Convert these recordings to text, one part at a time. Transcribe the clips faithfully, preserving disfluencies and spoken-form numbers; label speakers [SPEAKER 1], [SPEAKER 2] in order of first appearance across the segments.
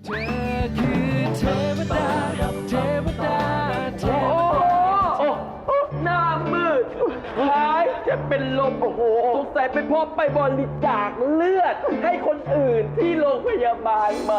[SPEAKER 1] เธอคือเทวดาเทวดาเทวดา
[SPEAKER 2] โอ้โอ้หน้ามืดคล้ายจะเป็นลมโอ้โหสงสัยเป็นเพราะไปบริจาคเลือดให้คนอื่นที่โรงพยาบาลมา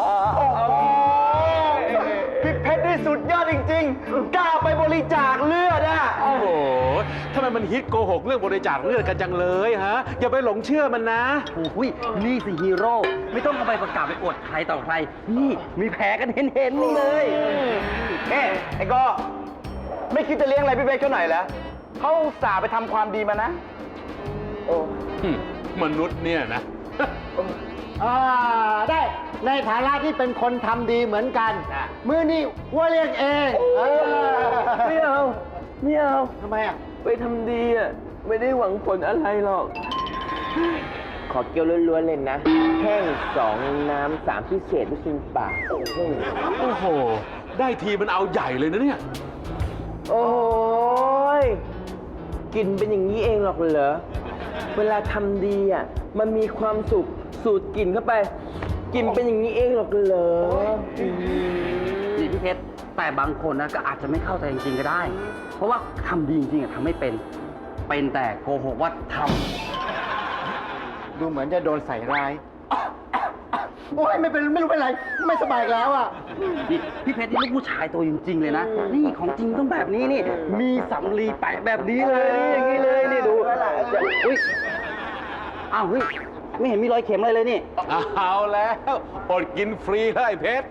[SPEAKER 2] พี่เพชรนี่สุดยอดจริงๆกล้าไปบริจาคเลือดอ่ะ
[SPEAKER 3] โอ้โหทำไมมันฮิตโกหกเรื่องบริจาคเลือดกันจังเลยฮะ อย่าไปหลงเชื่อมันนะ
[SPEAKER 4] โอ้ยนี่สิฮีโร่ไม่ต้องเอาไปประกาศไปอวดใครต่อใคร นี่มีแผลกันเห็นๆนี่เลย
[SPEAKER 2] เอ๊ะไอ้ก็ไม่คิดจะเลี้ยงอะไรพี่เพชรเขาหน่อยเหรอเขาอุตส่าห์ไปทำความดีมานะโอ้
[SPEAKER 3] มนุษย์เนี่ยนะ
[SPEAKER 5] อ่าได้ในฐานะที่เป็นคนทำดีเหมือนกัน มือนี่วัวเลี้ยงเองเออ
[SPEAKER 2] ไม่เอาไม่เอา
[SPEAKER 5] ทำไมอ่ะ
[SPEAKER 2] ไปทำดีอ่ะไม่ได้หวังผลอะไรหรอก ขอเกี๊ยวล้วนๆเลยนะ แห้งสองน้ำสามพิเศษลูกชิ้นปลา
[SPEAKER 3] โอ้โห ได้ทีมันเอาใหญ่เลยนะเนี่ย
[SPEAKER 2] โอ้ยกินเป็นอย่างนี้เองหรอกเหรอ เวลาทำดีอ่ะมันมีความสุขสูดกลิ่นเข้าไป กินเป็นอย่างนี้เองหรอกเหรอ
[SPEAKER 4] นี่พี่เพชรแต่บางคนนะก็อาจจะไม่เข้าใจจริงๆก็ได้ เพราะว่าทำดีจริงๆอะทำไม่เป็น เป็นแต่โกหกว่าท
[SPEAKER 5] ดูเหมือนจะโดนใส่ร้ายโอ้ยไม่เป็นไม่รู้เป็นไร ไม่สบายอีกแล้วอ่ะ
[SPEAKER 4] ำนี่พี่เพชรนี่ลูกผู้ชายตัวจริงๆเลยนะ นี่ของจริงต้องแบบนี้นี่ มีสำลีแปะแบบนี้เลยนี่อย่างนี้เลยนี่ดูจะอุ้ยอ้าวเฮ้ยไม่เห็นมีรอยเข็มอะไรเลยนี่
[SPEAKER 3] เอาแล้วอดกินฟรีเลยเพชร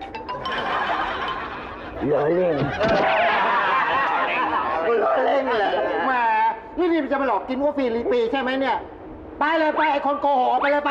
[SPEAKER 2] เหลือเล่น
[SPEAKER 5] คุณล้อเล่นเลยแหมนี่นี่จะมาหลอกกินวัวฟรีลีปีใช่ไหมเนี่ย ไปเลยไปไอ้คนโกหกออกไปเลยไป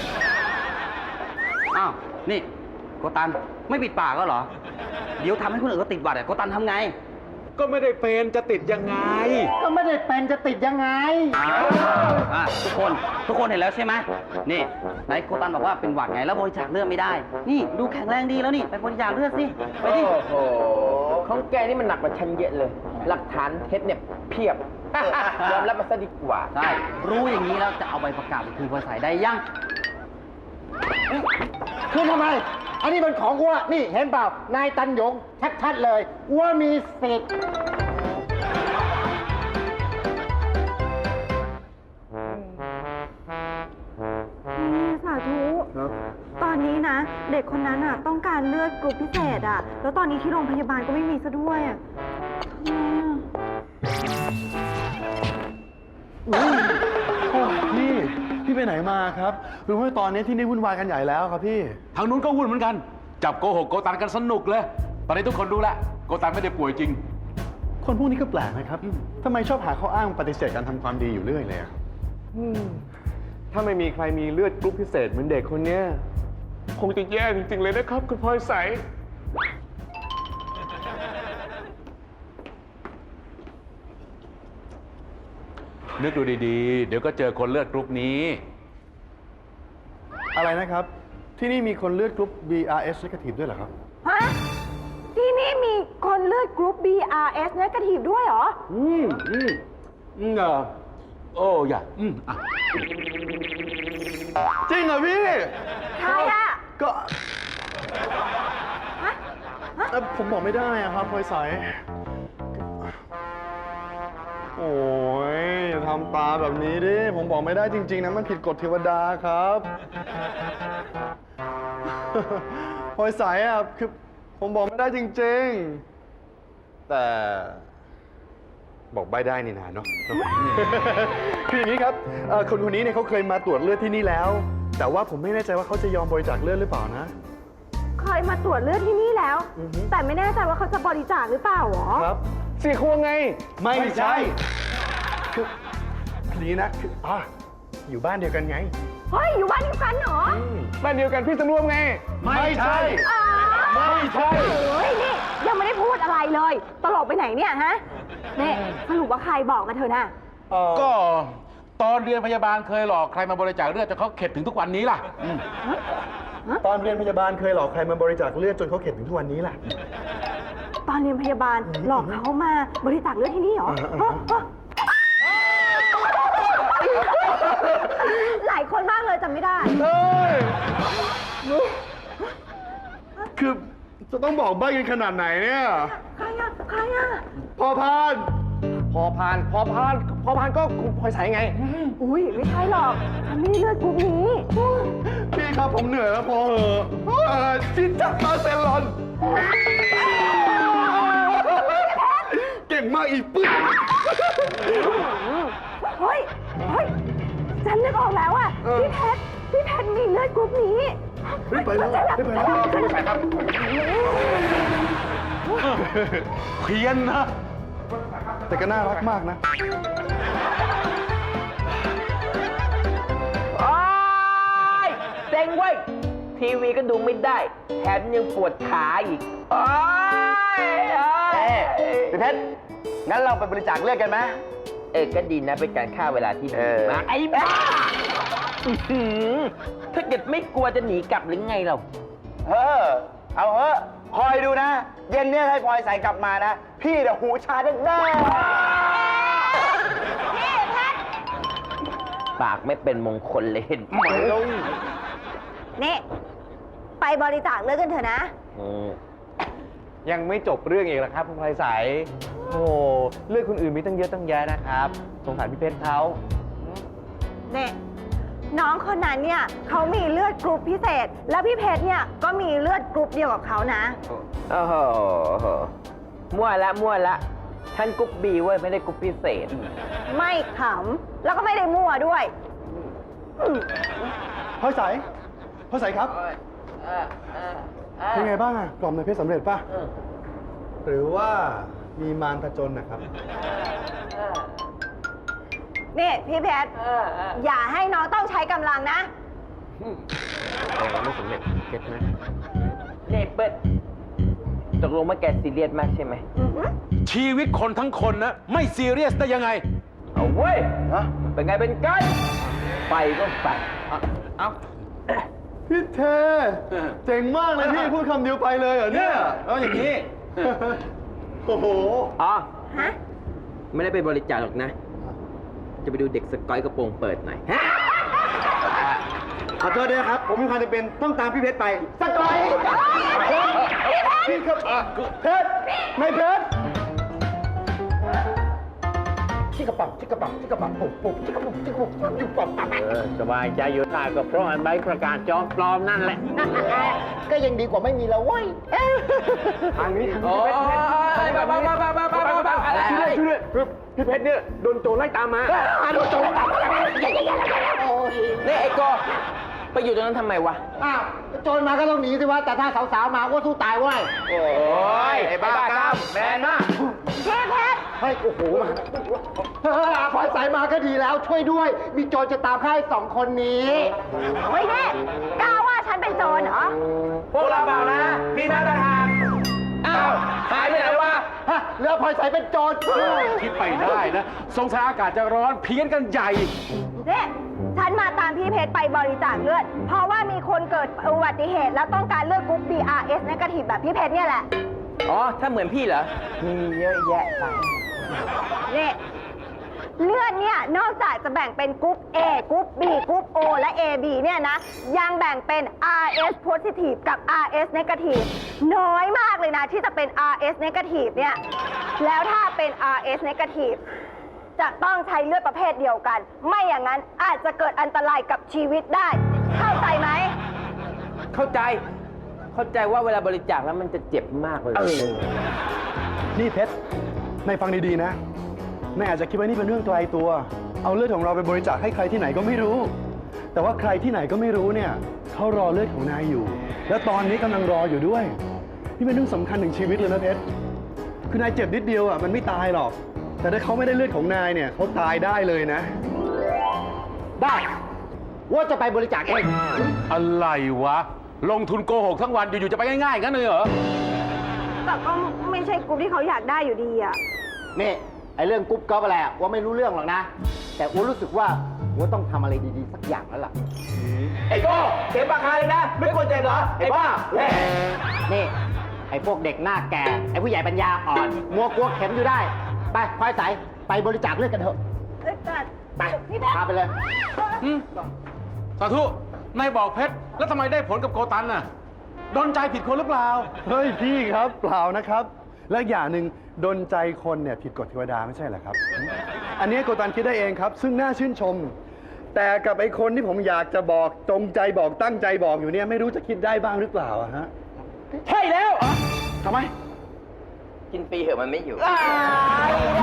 [SPEAKER 4] อ้าว นี่โกตันไม่ปิดปากก็เหรอ เดี๋ยวทำให้คนอื่นเขาติดหวัดอะโกตันทำไง
[SPEAKER 3] ก็ไม่ได้เป็นจะติดยังไง
[SPEAKER 5] ก็ไม่ได้เป็นจะติดยังไง
[SPEAKER 4] อ่ะทุกคนทุกคนเห็นแล้วใช่ไหมนี่ไหนโกตันบอกว่าเป็นหวัดไงแล้วบริจาคเลือดไม่ได้ นี่ดูแข็งแรงดีแล้วนี่ไปบริจาคเลือดสิไปดิ
[SPEAKER 2] โอ้โหของแกนี่มันหนักกว่าฉันเยอะเลย หลักฐานเท็จเนี่ยเพียบ ยอมรับมาซะดีกว่า
[SPEAKER 4] ใช่รู้อย่างนี้แล้วจะเอาใบประกาศไปคืนบริษัทได้ยัง
[SPEAKER 5] คือทำไม อันนี้มันของวัวนี่เห็นเปล่า นายตันหยงชัดๆเลยว่ามีสิทธิ์
[SPEAKER 6] นี่สาธุตอนนี้นะ เด็กคนนั้นอ่ะต้องการเลือดกรุ๊ปพิเศษอ่ะ แล้วตอนนี้ที่โรงพยาบาลก็ไม่มีซะด้วยอ่ะทำไมอ่ะ
[SPEAKER 7] พี่ พี่ไปไหนมาครับรู้ว่าตอนนี้ที่นี่วุ่นวายกันใหญ่แล้วครับพี่
[SPEAKER 3] ทางนู้นก็วุ่นเหมือนกัน จับโกหกโกตันกันสนุกเลย ตอนนี้ทุกคนรู้แล้วโกตันไม่ได้ป่วยจริง
[SPEAKER 7] คนพวกนี้ก็แปลกนะครับทำไมชอบหาข้ออ้างปฏิเสธการทำความดีอยู่เรื่อยเลยอะ
[SPEAKER 8] ถ้าไม่มีใครมีเลือดกรุ๊ปพิเศษเหมือนเด็กคนเนี้ยคงจะแย่จริงๆเลยนะครับ คุณพลอยใส
[SPEAKER 3] นึกดูดีๆ เดี๋ยวก็เจอคนเลือดกรุ๊ปนี้
[SPEAKER 7] อะไรนะครับ ที่นี่มีคนเลือดกรุ๊ป บี อาร์ เอส negative ด้วยเหรอครับ
[SPEAKER 6] ฮะ ที่นี่มีคนเลือดกรุ๊ป บี อาร์ เอส negative ด้วยเหรอ
[SPEAKER 3] อืมอืมอืมเออโอ้อย่าอืมอ่ะ
[SPEAKER 7] จริงเหรอพี่
[SPEAKER 6] ใครอ่ะ
[SPEAKER 7] ก็
[SPEAKER 6] ฮะ ฮะ
[SPEAKER 7] เอ่อผมบอกไม่ได้อะครับพลอยใสโอ้ยอย่าทำตาแบบนี้ดิ ผมบอกไม่ได้จริง ๆ นะ มันผิดกฎเทวดาครับ พลอยใสอ่ะคือผมบอกไม่ได้จริง ๆ แต่ บอกใบได้นี่นาเนาะ คืออย่างนี้ครับเอ่อคนคนนี้เนี่ยเขาเคยมาตรวจเลือดที่นี่แล้ว แต่ว่าผมไม่แน่ใจว่าเขาจะยอมบริจาคเลือดหรือเปล่านะ
[SPEAKER 6] เคยมาตรวจเลือดที่นี่แล้ว
[SPEAKER 7] อือฮึ
[SPEAKER 6] แต่ไม่แน่ใจว่าเขาจะบริจาคหรือเปล่าหรอ
[SPEAKER 7] ครับ
[SPEAKER 8] เสียครัวไง
[SPEAKER 7] ไม่ใช่ คือคือนี้นะคืออ่ะอยู่บ้านเดียวกันไง
[SPEAKER 6] เฮ้ย อยู่บ้านเดียวกันเหรอ
[SPEAKER 8] บ้านเดียวกันพี่สำรวมไง
[SPEAKER 7] ไม่ใช่
[SPEAKER 6] อ๋อ
[SPEAKER 7] ไม่ใช่
[SPEAKER 6] เฮ้ย นี่ ยังไม่ได้พูดอะไรเลย ตลกไปไหนเนี่ยฮะนี่สรุปว่าใครบอกกันเธอน่ะ
[SPEAKER 3] ก็ตอนเรียนพยาบาลเคยหลอกใครมาบริจาคเลือดจนเขาเข็ดถึงทุกวันนี้ล่ะอืม
[SPEAKER 7] ตอนเรียนพยาบาลเคยหลอกใครมาบริจาคเลือดจนเขาเข็ดถึงทุกวันนี้แหละ
[SPEAKER 6] ตอนเรียนพยาบาลหลอกเขามาบริจาคเลือดที่นี่เหรอ
[SPEAKER 7] อ่าอ่า
[SPEAKER 6] ฮะฮะหลายคนมากเลยจำไม่ได้
[SPEAKER 7] เฮ้ย คคือจะต้องบอกใบ้กันขนาดไหนเนี่ย
[SPEAKER 6] ใครอะใครอะ
[SPEAKER 7] พอพาน
[SPEAKER 8] พอพาน พอพาน พอพานก็คุณพลอยใสไง
[SPEAKER 6] อุ้ยไม่ใช่หรอก ฉันไม่ได้เลือดกรุ๊ปนี้
[SPEAKER 7] พี่ครับผมเหนื่อยแล้วพอเหอะเอ่อชินจักรมาเซลอน เก่งมากอีกปึ๊บ
[SPEAKER 6] เฮ้ย เฮ้ย ฉันนึกออกแล้วอะพี่เพชร พี่เพชรมีเลือดกรุ๊ปนี้
[SPEAKER 7] รีบไปแล้วรีบไปแล้ว
[SPEAKER 3] เพี้ยนนะ
[SPEAKER 7] แต่ก็น่ารักมากนะ
[SPEAKER 2] โอ๊ยเซ็งเว้ย ทีวีก็ดูไม่ได้ แถมยังปวดขาอีก โอ๊ยโอ๊ย
[SPEAKER 5] พี่เพชร งั้นเราไปบริจาคเลือดกันไหม
[SPEAKER 2] เออ ก็ดีนะ เป็นการฆ่าเวลาที่ดีมากไอ้บ้าอื้อหือถ้าเกิดไม่กลัวจะหนีกลับหรือไงเรา
[SPEAKER 5] เออ เอาเถอะคอยดูนะ เย็นเนี่ยให้พลอยใสกลับมานะ พี่เดี๋ยวหูชาแน่ๆ
[SPEAKER 2] ปากไม่เป็นมงคลเลยเห็นไหม
[SPEAKER 6] นี่ ไปบริจาคเลือดกันเถอะนะ
[SPEAKER 2] อืม
[SPEAKER 8] ยังไม่จบเรื่องอีกแล้วครับคุณพลอยใส โอ้เลือดคนอื่นมีตั้งเยอะตั้งแยะนะครับ สงสารพี่เพชรเขา
[SPEAKER 6] เนี่ยน้องคนนั้นเนี่ยเขามีเลือดกรุ๊ปพิเศษ แล้วพี่เพชรเนี่ยก็มีเลือดกรุ๊ปเดียวกับเขานะ
[SPEAKER 2] โอ้โหมั่วละมั่วละฉันกรุ๊ปบีเว้ย ไม่ได้กรุ๊ปพิเศษ
[SPEAKER 6] ไม่ขำ แล้วก็ไม่ได้มั่วด้วย
[SPEAKER 7] พลอยใสพลอยใสครับ เป็นไงบ้างอะกล่อมในเพชรสำเร็จป่ะ หรือว่ามีมารผจญนะครับ
[SPEAKER 6] นี่พี่เพชร อย่าให้น้องต้องใช้กำลังนะ
[SPEAKER 8] ไม่สำเร็จเก็ตไหม
[SPEAKER 2] นี่เปิ้ลตกลงว่าแกซีเรียสมากใช่ไหม
[SPEAKER 3] ชีวิตคนทั้งคนนะ ไม่ซีเรียสได้ยังไง
[SPEAKER 2] เอาเว้ยเป็นไงเป็นกันไปก็ไป
[SPEAKER 3] เอา
[SPEAKER 7] พี่เท เจ๋งมากเลยพี่ พูดคำเดียวไปเลยเหรอเนี่ย
[SPEAKER 3] แล้วอย่างนี้
[SPEAKER 7] โอ้โห
[SPEAKER 2] อ๋อ
[SPEAKER 6] ฮะ
[SPEAKER 2] ไม่ได้ไปบริจาคหรอกนะ จะไปดูเด็กสกอยกระโปรงเปิดหน่อย
[SPEAKER 5] ขอโทษด้วยนะครับ ผมมีความจำเป็นต้องตามพี่เพชรไป
[SPEAKER 7] สกอยพี่ครับเพชรในเพชร
[SPEAKER 5] ชิกระปับชิกระปับชิกระปับปุบปุบชิกระปุบชิกระปุบชิกระปับปับ
[SPEAKER 4] สบายใจอยู่ได้ก็เพราะอันใบประกาศจอมปลอมนั่นแหละ
[SPEAKER 5] ก็ยังดีกว่าไม่มีแล้วเว้ย
[SPEAKER 8] ทางนี้ทาง
[SPEAKER 2] โอ้
[SPEAKER 8] นี้
[SPEAKER 2] ยบ้าบ้าบ้าบ้าบ้าบ้าบ้าบ้าอะไร
[SPEAKER 8] ช่วยด้วยช่วยด้วยคือพี่เพชรเนี่ยโดนโจรไล่ตามมา
[SPEAKER 2] โดนโจรตามนี่ไอ้โกไปอยู่ตรงนั้นทำไมวะ
[SPEAKER 5] อ้าวโจรมาก็ต้องหนีสิวะ แต่ถ้าสาวๆมาก็สู้ตายเว้ย
[SPEAKER 2] โอ้ยไอ้บ้ากามแมนมาก
[SPEAKER 6] พี่เพชร
[SPEAKER 5] ให้โอ้โหมาเฮ้ยพลอยใสมาก็ดีแล้วช่วยด้วย มีโจรจะตามฆ่าไอ้สองคนนี้
[SPEAKER 6] เฮ้ยนี่กล้าว่าฉันเป็นโจรเหรอ
[SPEAKER 2] พวกเราเปล่านะ พี่นัททางอ้าว หายไปไหนวะ
[SPEAKER 5] ฮะเรือพลอยใสเป็นโจร
[SPEAKER 3] คิดไปได้นะ สงสัยอากาศจะร้อนเพี้ยนกันใหญ่
[SPEAKER 6] เนี่ยฉันมาตามพี่เพชรไปบริจาคเลือด เพราะว่ามีคนเกิดอุบัติเหตุ แล้วต้องการเลือดกรุ๊ป บี อาร์ เอส negative แบบพี่เพชรเนี่ยแหละ
[SPEAKER 2] อ๋อ ถ้าเหมือนพี่เหรอ มีเยอะแยะไป
[SPEAKER 6] เนี่ยเลือดเนี่ยนอกจากจะแบ่งเป็นกรุ๊ป A กรุ๊ป B กรุ๊ป O และ เอ บี เนี่ยนะ ยังแบ่งเป็น อาร์ เอส positive กับ อาร์ เอส negative น้อยมากเลยนะที่จะเป็น อาร์ เอส negative เนี่ย แล้วถ้าเป็น อาร์ เอส negative จะต้องใช้เลือดประเภทเดียวกัน ไม่อย่างนั้นอาจจะเกิดอันตรายกับชีวิตได้ เข้าใจไหม
[SPEAKER 2] เข้าใจ เข้าใจว่าเวลาบริจาคแล้วมันจะเจ็บมากเลย
[SPEAKER 7] นี่เพชรนายฟังดีๆนะนายอาจจะคิดว่านี่เป็นเรื่องไกลตัว เอาเลือดของเราไปบริจาคให้ใครที่ไหนก็ไม่รู้ แต่ว่าใครที่ไหนก็ไม่รู้เนี่ยเขารอเลือดของนายอยู่ แล้วตอนนี้กำลังรออยู่ด้วย นี่เป็นเรื่องสำคัญถึงชีวิตเลยนะเพชร คือนายเจ็บนิดเดียวอ่ะมันไม่ตายหรอก แต่ถ้าเขาไม่ได้เลือดของนายเนี่ยเขาตายได้เลยนะ
[SPEAKER 5] ได้ว่าจะไปบริจาคเอง
[SPEAKER 3] อะไรวะ ลงทุนโกหกทั้งวันอยู่ๆจะไปง่ายๆงั้นเลยเหรอ
[SPEAKER 6] แต่ก็ไม่ใช่กรุ๊ปที่เขาอยากได้อยู่ดีอะ
[SPEAKER 5] นี่ไอ้เรื่องกรุ๊ปก๊อปอะไรอะว่าไม่รู้เรื่องหรอกนะ แต่อ้วรู้สึกว่าอ้วต้องทำอะไรดีๆสักอย่างแล้วล่ะ
[SPEAKER 2] ไอ้โก้เจ็บปากคาเลยนะ ไม่ควรเจ็บเหรอ ไอ้บ้าแหม่
[SPEAKER 5] นี่ไอ้พวกเด็กหน้าแก่ ไอ้ผู้ใหญ่ปัญญาอ่อน มัวกลัวเข็มอยู่ได้ ไปพลอยใสไปบริจาคเลือดกันเถอะ
[SPEAKER 6] เอ้ยแต่
[SPEAKER 5] ไป
[SPEAKER 6] พี่เพชร
[SPEAKER 5] พาไปเลย
[SPEAKER 3] สาธุ นายบอกเพชร แล้วทำไมได้ผลกับโกตันน่ะดนใจผิดคนหรือเปล่า
[SPEAKER 7] เฮ้ยพี่ครับเปล่านะครับ และอย่างหนึ่งดนใจคนเนี่ยผิดกฎเทวดาไม่ใช่เหรอครับ อันนี้โกตันคิดได้เองครับ ซึ่งน่าชื่นชม แต่กับไอ้คนที่ผมอยากจะบอกจงใจบอกตั้งใจบอกอยู่เนี่ยไม่รู้จะคิดได้บ้างหรือเปล่าอะฮะ
[SPEAKER 2] ใช่แล้ว
[SPEAKER 3] ทำไม
[SPEAKER 2] กินฟรีเหอะมันไม่อยู่
[SPEAKER 6] อ้าว